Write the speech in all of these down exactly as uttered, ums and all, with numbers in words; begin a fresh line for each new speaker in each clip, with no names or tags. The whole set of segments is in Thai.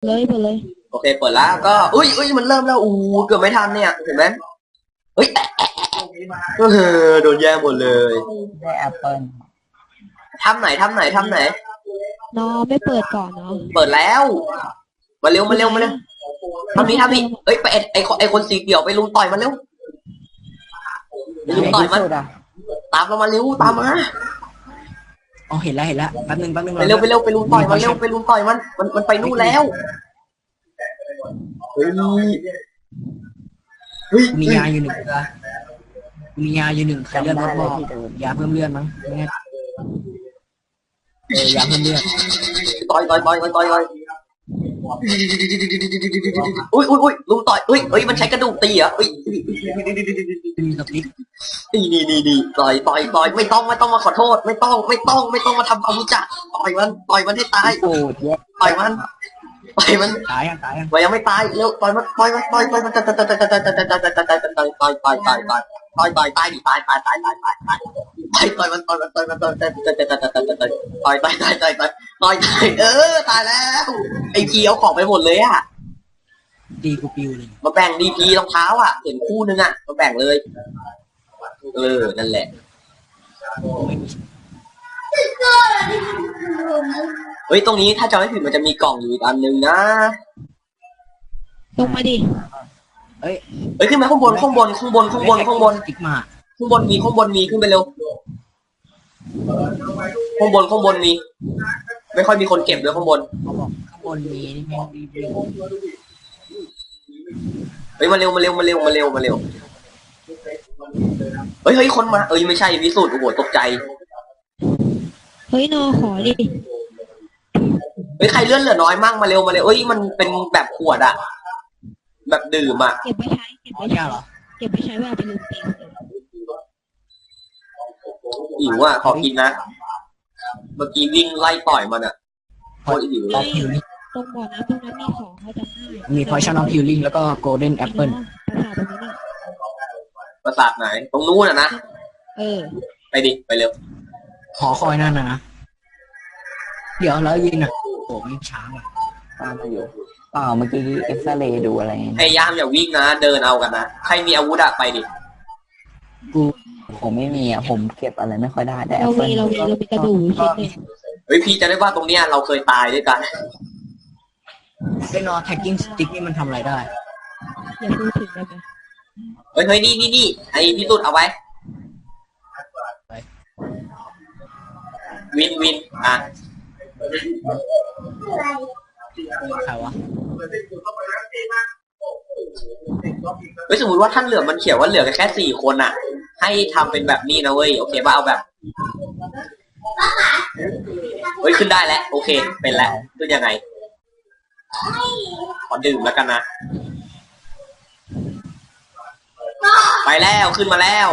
เลยเปิดเลย
โอเคเปิดแล้วก็อุ้ยอุ้ยมันเริ่มแล้วอู้เกือบไม่ทันเนี่ยเห็นไหมเฮ้ยเออโดนแย่งหมดเลย
ได้แอปเปิล
ทำไหนทำไหนทำไหน
นอไม่เปิดก่อนเนาะ
เปิดแล้วมาเร็วมาเร็วมาเร็วทำนี้ทำนี้เอ้ยไปไอไอไอคนสีเขียวไปลุมต่อยมันเร็วไปลุมต่อยมันตามเรามาเร็วตามมา
อ๋อเห็นแล้วเห็นแล้วแป๊บนึงแป๊บนึง
ไปเร็วไปเร็วไปลุมต่อยมันเร็วไปลุมต่อยมันมันมันไปนู่นแล้วเฮ้ยเฮ้ย
มียาอยู่หนึ่งตัวมียาอยู่หนึ่งใครเลือดลดบ่ยาเพิ่มเลือดมั้งไม่แน่เออยาเพิ่มเลือด
ต่อยต่อยต่อยต่อยต่อยอุ้ยอุ้ยอุ้ยลุมต่อยอุ้ยเฮ้ยมันใช้กระดูกตีเหรออุ้ย
มีสติ๊ก
นี่นี่นี่นี่ต่อยต่อยต่อยไม่ต้องไม่ต้องมาขอโทษไม่ต้องไม่ต้องไม่ต้องมาทำความรู้จักต่อยมันต่อยมันให้ตายต่อยมันต่อยมัน
ตายยังตายยัง
ยังไม่ตายเร็วต่อยมันต่อยมันต่อยต่อยมันต่อยต่อยต่อยต่อยต่อยต่อยต่อยต่อยต่อยต่อยต่อยต่อยต่อยต่อยตายดิตายตายตายตายตายตายต่อยต่อยมันต่อยมันต่อยมันต่อยต่อยต่อยต่อยต่อยต่อยต่อยต่อยต่อยต่อยต่อยต่อยเออตายแล้วไอ้พีเอาของไปหมดเลยอ่ะ
ดีกูปิวเลย
มาแบ่งดีพีรองเท้าอ่ะเห็นคู่นึงอ่ะมาแบ่งเลยเออนั่นแหละเฮ้ยตรงนี้ถ้าจำไม่ผิดมันจะมีกล่องอยู่อีกอันนึงนะ
ลงมาดิ
เฮ้ยเฮ้ยขึ้นมาข้างบนข้างบนข้างบนข้างบนข้างบน
ติ๊กมา
ข้างบนมีข้างบนมีขึ้นไปเร็วข้างบนข้างบนมีไม่ค่อยมีคนเก็บเลยข้างบน
เขาบอกข้างบนมีนี่แม่งรีวิว
เฮ้ยมาเร็วมาเร็วมาเร็วมาเร็วมาเร็วเฮ้ยเฮ้ยคนมาเอ้ยไม่ใช่วิสุทธ์โอ้โหตกใจ
เฮ้ยนอขอดิ
เฮ้ยใครเลื่อนเหลือน้อยมั่งมาเร็วมาเร็วเอ้ยมันเป็นแบบขวดอะแบบดื่มอะ
เก็บไปใช้เก็บไปใช้เหรอเก็บไปใช้เวลาไปลืมตี
หิวอะขอกินนะเมื่อกี้วิ่งไล่ต่อยมันอะโคตรหิวเลย
ตรงบ่อน้ำตรงนั้นมีของเขาจำได้
มี Potion of Healing แล้วก็ Golden Apple
ประสาทไหนตรงนู้นอะนะ
เออ
ไปดิไปเร็ว
ขอคอยนั่นนะนะเดี๋ยวแล้วยิงอะโอ้ยิงช้าอ่ะ
ตามมาอยู่เปล่าเมื่อกี้เอ็กซเรย์ดูอะไร
พยายามอย่าวิ่งนะเดินเอากันนะใครมีอาวุธอะไปดิ
กูผมไม่มีอะผมเก็บอะไรไม่ค่อยได้แต่
เรามีเรามีเรามีกระดูกชิ้นนึง
เฮ้ยพี่จะได้ว่าตรงเนี้ยเราเคยตายด้วยกัน
ไอ้นอ tagging stick นี่มันทำอะไรได้
อย่าพูดถึงได้ไหม
เฮ้ยเฮ้ยนี่นี่นี่ไอ้พี่ตุ๊ดเอาไว้วินวินอ่ะ
ใครวะ
เฮ้ยสมมติว่าท่านเหลือมันเขียวว่าเหลือแค่สี่คนอ่ะให้ทำเป็นแบบนี้นะเว้ยโอเคป่ะเอาแบบเฮ้ยขึ้นได้แล้วโอเคเป็นแล้วขึ้นยังไงขอดื่มแล้วกันนะไปแล้วขึ้นมาแล้ว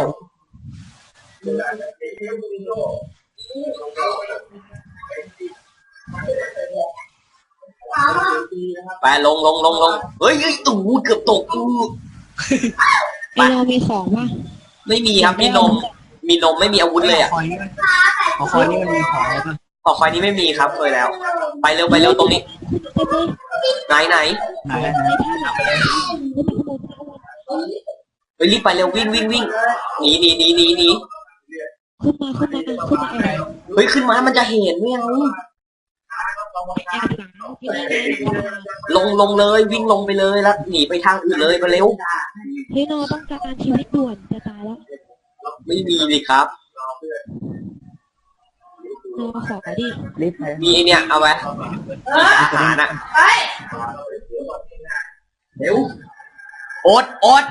ไปลงลงลงลงเฮ้ยเฮ้ยตู่เกือบตกอู้
ไอเรามีของป่ะ
ไม่มีครับมีนมมีนมไม่มีอาวุธเลยอ่ะ
ขอคอยนี่มันมีของอะไรป่ะ
ขอคอยนี้ไม่มีครับเคยแล้วไปเร็วไปเร็วตรงนี้ไหนไหน
ไหน
ไปรีบไปเร็ววิ่งวิ่งวิ่งหนีหนีหนีหนีหนี
ขึ้นมาขึ้นมาขึ้นมา
เฮ้ยขึ้นมามันจะเห็นไม่เอาลงลงเลยวิ่งลงไปเลยแล้วหนีไปทางอื่นเลยมาเร็ว
เฮ้ยนอต้องการชีวิตด่วนจะตายแล้ว
ไม่มีเลยครับ
นอขอดิ
มีไอเนี่ยเอาไว้อาหารอะเร็วโอ๊ตโอ๊ต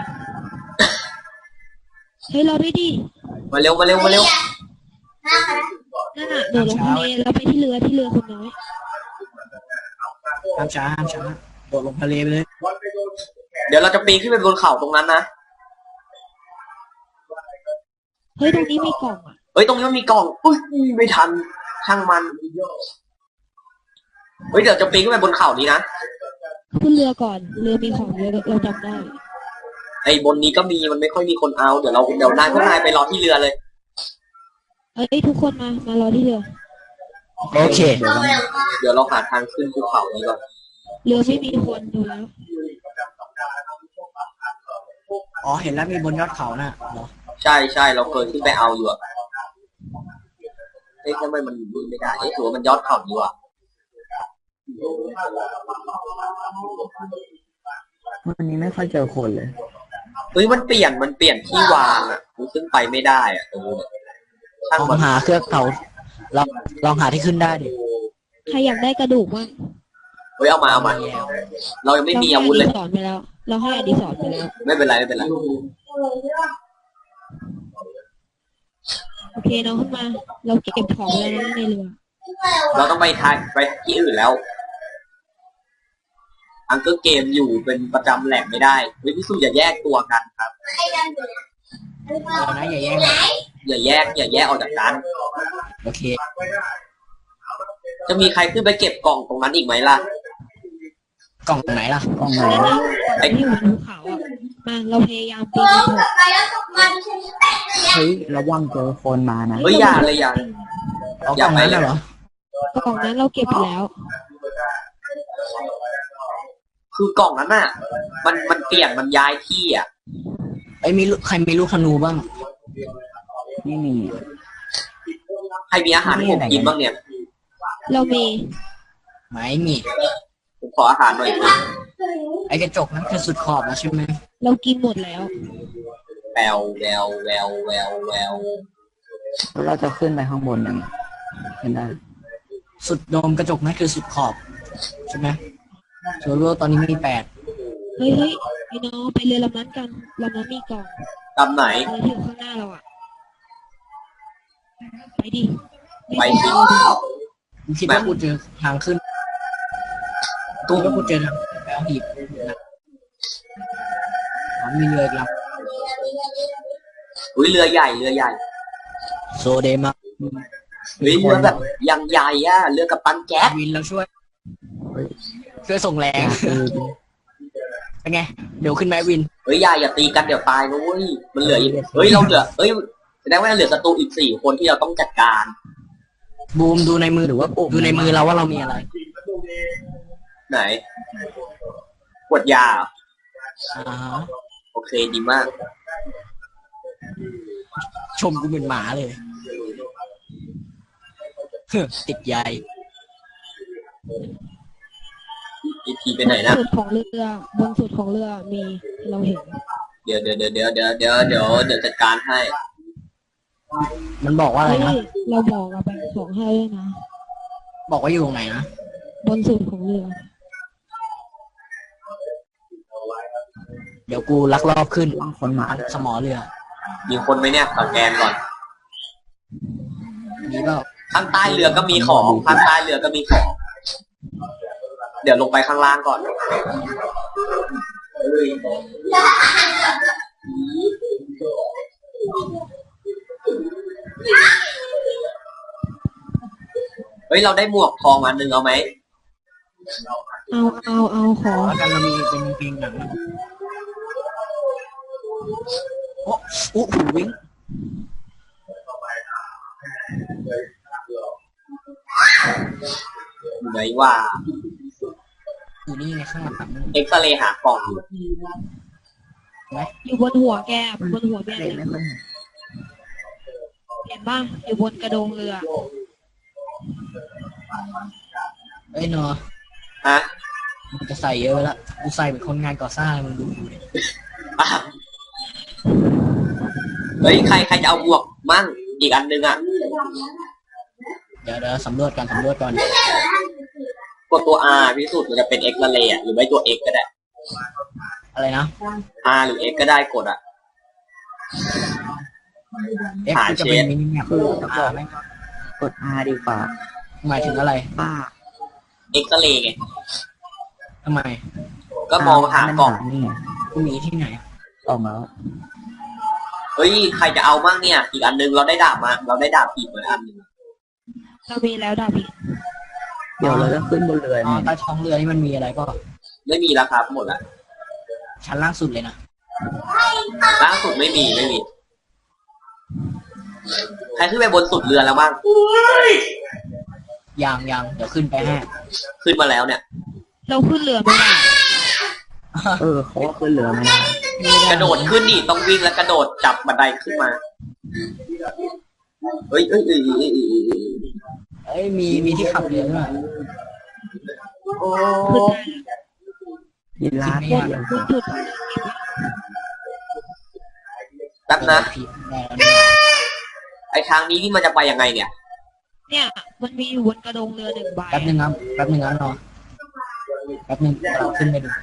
เฮ้ยรอด้วยดิ
มาเร็วมาเร็วมาเร็ว
นั่นน่ะโดดลงทะเลแล้วไปที่เรือที่เรือคนน้อย
ห้ามช้าห้ามช้าโดดลงทะเลไปเลย
เดี๋ยวเราจะปีนขึ้นไปบนเขาตรงนั้นนะ
เฮ้ยตรงนี้มีกล่องอ่ะ
เฮ้ยตรงนี้มันมีกล่องอุ้ยไม่ทันช่างมันเฮ้ยเดี๋ยวจะปีนขึ้นไปบนเขานี้นะ
ขึ้นเรือก่อนเรือมีของเยอะเราจำได้
ไอ้บนนี้ก็มีมันไม่ค่อยมีคนเอาเดี๋ยวเราเดี๋ยวนายพวกนายไปรอที่เรือเลย
เฮ้ยทุกคนมามารอที่เรือ
โอเค
เดี๋ยวเราหาทางขึ้นภูเขานี้ก่อน
เรือไม่มีคนดูแล้ว
อ๋อเห็นแล้วมีบนยอดเขาน่ะเหรอ
ใช่ใช่เราเคยขึ้นไปเอาอยู่อะเอ๊ะทำไมมันดูไม่ได้เอ๊ะถือว่ามันยอดเขาดีว่ะ
วันนี้ไม่ค่อยเจอคนเลย
เฮ้ยมันเปลี่ยนมันเปลี่ยนที่วางอะกูขึ้นไปไม่ได้อะตรงนู้นอะช่าง
ลอ
มั
ง
น
หาเครื่องเขาลองลองหาที่ขึ้นได้ดิ
ใครอยากได้กระดูกบ้าง
เฮ้ยเอามาเอามา
แล้ว
เรายังไม่
เรา
มี
ให้
อา
อ
วุธเล
ดี
ย
สอนไปแล้ว เราให้อดีสอนไปแล้ว
ไม่เป็นไรไม่เป็นไร
โอเคน้องขึ้นมา เราเก็บของแล้วนะในเรือ
เราต้องไปทายไปที่อื่นแล้วอังเกอร์เกมอยู่เป็นประจำแหล่งไม่ได้เฮ้ยพี่สุอย่าแยกตัวกันครับ
เอานะอย่าแย่งนะ
อย่าแยกอย่าแยกออกจากกัน
โอเค
จะมีใครขึ้นไปเก็บกล่องตรงนั้นอีกไหมล่ะ
กล่องไหนล่ะ
กล้องไหน
นั่นนะก่อนที่อยู่บนภูเขาอ่ะ มาเราพยายามปีนกระโดด
เฮ้ยระวังเจอคนมานะ
เฮ้ยอย่าเลยอย่า
เอา
อก ย่า
ล่อง
ไป
นั้น
เลย
น่ะเหรอก
ล่องนั้นเราเก็บไปแล้ว
คือกล่องนั้นน่ะ มันมันเปลี่ยนมันย้ายที่อ่ะ
ไอ้ยมีลูกใครมีลูกธนูบ้าง
ไม่มี
ใครมีอาหารให้ผมกินบ้างเนี่ย
เรามี
ไม่มี
ผมขออาหารหน่อยสิ
ไอ้กระจกนั้นคือสุดขอบแล้วใช่ไหม
เรากินหมดแล้ว
แววแววแววแววแวว
แล้วเราจะขึ้นไปข้างบนยังไงขึ้นได้
สุดโดมกระจกนั้นคือสุดขอบใช่ไหมโซโล่ตอนนี้มีแปด
เฮ้ยเฮ้ยไอ้น้องไปเรือลำนั้นกันลำนั้นมีกล่อง
ตำไหน
เรือที่อยู่ข้างหน้าเราอ่ะ ไปดิ
ไปสิ
กูคิดว่ากูเจอทางขึ้น
ตุ้
คิ
ม
ดว่ากูเจอทางขึ้นแล้วหีบนะอ๋อมีเรืออีกล
อุ้ยเรือใหญ่เรือใหญ่
ำโซเดมา
เฮ้ยเรือแบบยังใหญ่อะเรือกับตันแก๊ส
วินเราช่วย
เฮ้ย
ช่วยส่งแร
อง ยากดูดิ
เป็นไง เดี๋ยวขึ้นไหมวิน
เฮ้ยอย่าอย่าตีกันเดี๋ยวตายนะเว้ยมันเหลืออีกเฮ้ยเราเหลือเฮ้ยแสดงว่าเหลือศัตรูอีกสี่คนที่เราต้องจัดการ
บูมดูในมือหรือว่าดูในมือเราว่าเรามีอะไร
ไหนขวดยาเหรอ
อ่าฮะ
โอเคดีมาก
ชมกูเป็นหมาเลยเฮ้อติดใย
อีพีไปไหนนะ
สุดของเรือบนสุดของเรือมีเราเห็น
เดี๋ยวเดี๋ยวเดี๋ยวเดี๋ยวเดี๋ยวเดี๋ยวเดี๋ยวเดี๋ยวจัดการให้
มันบอกว่าอะไร
เฮ้
นะ
ยเราบอกเราแบ่งของให้ด้วยนะ
บอกว่าอยู่ตรงไหนนะ
บนสุดของเรือ
เดี๋ยวกูลักลอบขึ้น
วางคนมาเลย
สมอเรือ
มีคนไหมเนี่ยสแกนก่อน
มีเปล่า
ข้างใต้เรือก็มีของข้างใต้เรือก็มีของ เดี๋ยวลงไปข้างล่างก่อนเฮ้ยเราได้หมวกทองอันหนึ่งเอาไหม
เอาเอาเอาขอ
แล้วกันเรามีเป็นเพลงหนังนะโอ้โอ้หูวิ่ง
อยู่ไหนว่า
อยู่นี่ในข้างหลัง
เอ็กซเรย์หากล่องอยู่
อยู่บนหัวแกบนหัวแก
เล่นไม่ค่อยเห็น
เห็นป่ะอยู่บนกระโดงเรือ
เอ้ยเนาะ
ฮะ
มันจะใส่เยอะไปละกูใส่เป็นคนงานก่อสร้างมึงดูดิ
อ่ะเฮ้ยใครใครจะเอาบวกมั่งอีกอันหนึงอ่ะ
เดี๋ยวเดี๋ยวสำรวจก่อนสำรวจก่อน
กดตัว R พิสูจน์มันจะเป็น X ละเลยอ่ะหรือไม่ตัว X ก็ได้
อะไรนะ
R หรือ X ก็ได้กดอ่ะ
เอ็ก
หา
ซ์จะ
เช
เป็น
ฟ
มินิแมปอ่าไหม
กด R ดีกว่า
หมายถึงอะไร
ป้า
X ละเลยไง
ทำไม
ก็มองหากล่อง
นี่ไง
กูมีที่ไหน
กล่องแล้ว
เฮ้ยใครจะเอามั่งเนี่ย อีกอันหนึงเราได้ดาบมาเราได้ดาบอีกเหมือนอันหนึง
เรามีแล้วดาบิ
เดี๋ยวเราจะขึ้นบนเรือ
อ๋อ
เนี่ย
ใต้ท้องเรือนี่มันมีอะไรก็
ไม่มีแล้วครับหมดละ
ชั้นล่างสุดเลยนะ
ล่าสุดไม่มีไม่มี ใครขึ้นไปบนสุดเรือแล้วบ้าง
ยางยางเดี๋ยวขึ้นไปให้
ขึ้นมาแล้วเนี่ย
เราขึ้นเรือไม่ได้
เออเขาก็ขึ้นเรือไม่ได้
กระโดดขึ้นนี่ต้องวิ่งแล้วกระโดดจับบันไดขึ้นมาเอ้ยเอ้ยเอ้ยเอ้ยเอ้ยเอ้ย
เอ้ยมีมีที่ขับเรือด้วย
โอ้
ขึ้นได้
ยีราฟ
จริงไหม
เดียว
บนจุด
แป๊บนะ
ผิดแน่
ไอทางนี้นี่มันจะไปยังไงเนี่ย
เนี่ยมันมีอยู่บนกระดงเรือหนึ่งใบ
แป๊บนึงครับแป๊บนึงนะรอแป๊บนึงเราขึ้นไปดู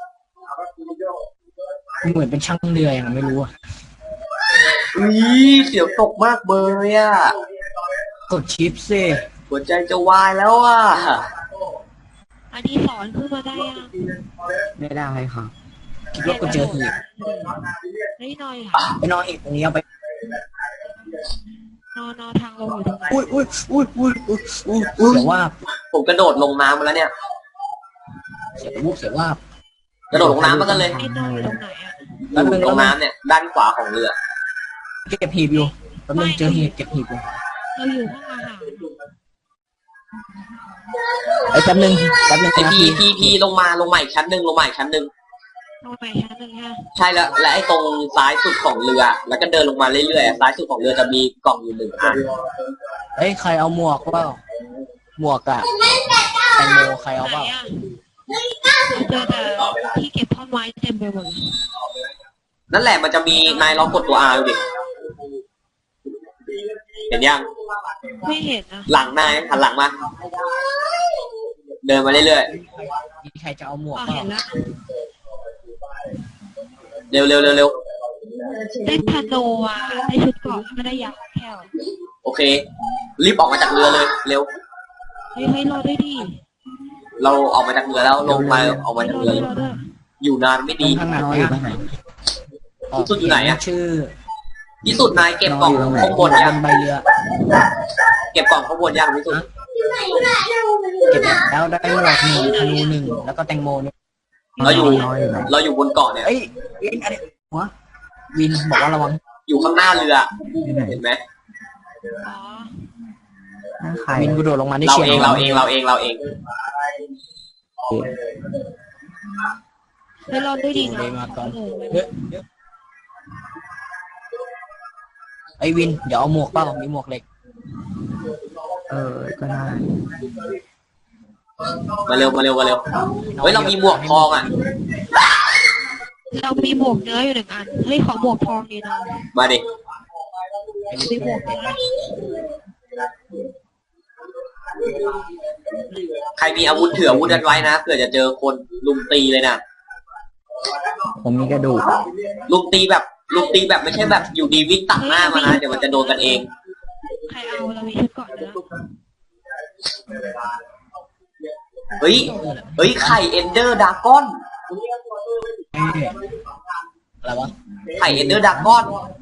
เหมือนเป็นช่างเรืออย่างไม่รู้อะ
อุ้ยเสียวตกมากเบยอ่ะ
กดชิปสิ
หัวใจจะวายแล้วอ่ะ
อันนี้สอนขึ้นมาได้ยัง
ไม่ได้ครับ
คิดว่ากูเจอหีบ
ไม่นอยค่ะ
ไปนอนอีกตรงนี้เอาไป
นอนนอนทางลงอยู่ตรงไหน
อุ้ยอุ้ยอุ้ยอุ้ยอุ้ยอุ้ยอุ้ยเสียว่าบ
ผมกระโดดลงน้ำมาแล้วเนี่ย
เสียวุบเสียว่าบ
กระโดดลงน้ำมากันเลย
ไอ้นอยอยู่ตรงไหนอ่ะ
อยู่ตรงน้ำเนี่ย ด้านขวาของเรือ
เก็บหีบอยู่แป๊บนึงเจอหีบเก็บหีบอยู่
เราอยู่ห้องอาหาร
ไอ้ยแป๊บนึงแป๊บนึง
ไอ
นะ
พี
พี่
พีพีลงมาลงมาอีกชั้นหนึ่งลงมาอีกชั้นหนึ่ง
ลงไปชั้นหนึ่งฮะ
ใช่แล้วและไอ้ตรงซ้ายสุดของเรือ แล้วก็เดินลงมาเรื่อยๆซ้ายสุดของเรือจะมีกล่องอยู่หนึ่งอัน
เอ้ยใครเอาหมวกเปล่าหมวกอะแตงโมใครเอา
ไหน
เปล่า
อ่ะเจอแต่ที่เก็บท่อนไม้เต็มไปหมดเลย
นั่นแหละมันจะมีนายลองกดตัว R ดูดิเห็นยัง
ไม่เห็นนะ
หลังนายหันหลังมาเดินมาเรื่อย
มีใครจะเอาหมวก
อ๋อ
เปล่า
เห็นแล้ว
ๆเร็วเร็วเร็วเร็ว
ได้พาโนอ่ะได้ชุดเกราะไม่ได้ยาแค่ว
โอเค รีบออกมาจากเรือเลย เร็ว
เฮ้ยเฮ้ยรอด้วยดิ
เราออกมาจากเรือแล้วลงมาออกมา
เฮ้ย
จาก
รอ
เรือ
ด้วยรอด้วย
อยู่นานไม่
ตร
ดี
งข้างหน้า
น้อยอยู่ตรงไหน
ที่สุดอยู่ไหนอะ
ชื่อ
ที่สุดนายเก็บกล่องข้างบน
บ
ยัง
นใบเรือ
เก็บกล่องข้างบนยังที่สุด
เก็บแล้วได้หมวกหนึ่งธนูหนึ่งแล้วก็แตงโมหนึ่ง
เราอยู่
น้อยอยู่ไหน
เราอยู่บนเกาะเนี่ย
เอ้ยวินอะไรหัววินบอกว่าระวัง
อยู่ข้างหน้าเรือ
อยู่ไหน
เห็นไหม
อ๋อ
หน้าใคร
วินกูโดดลงมาได้
เรา
เฉียง
เองเราเองเราเองเราเอง
เฮ้ยรอด้วยดินะ
เลยมาก่อน
เออ
เฮ้ยไอ้วินเดี๋ยวเอาหมวกเปล่ามีหมวกเหล็ก
เออก็ได้
มาเร็วมาเร็วมาเร็วเฮ้ยเรามีหมวกทองอ่ะ
เรามีหมวกเนื้ออยู่หนึ่งอันเฮ้ยขอหมวกทองดีนะ
มาดิ
มีหมวกเนื้อ
ใครมีอาวุธเถื่ออาวุธกันไว้นะเผื่อจะเจอคนลุมตีเลยนะ
ผมมีกระดูก
ลุมตีแบบลุมตีแบบไม่ใช่แบบอยู่ดีวิ่งตัดหน้ามานะเดี๋ยวมันจะโดนกันเอง
ใครเอาเรามีชุดเกราะเนื้อ
เฮ้ยเฮ้ยไข่เอนเดอร์ดากอน
เอ้ยอะไรวะ
ไข่เอนเดอร์ดากอน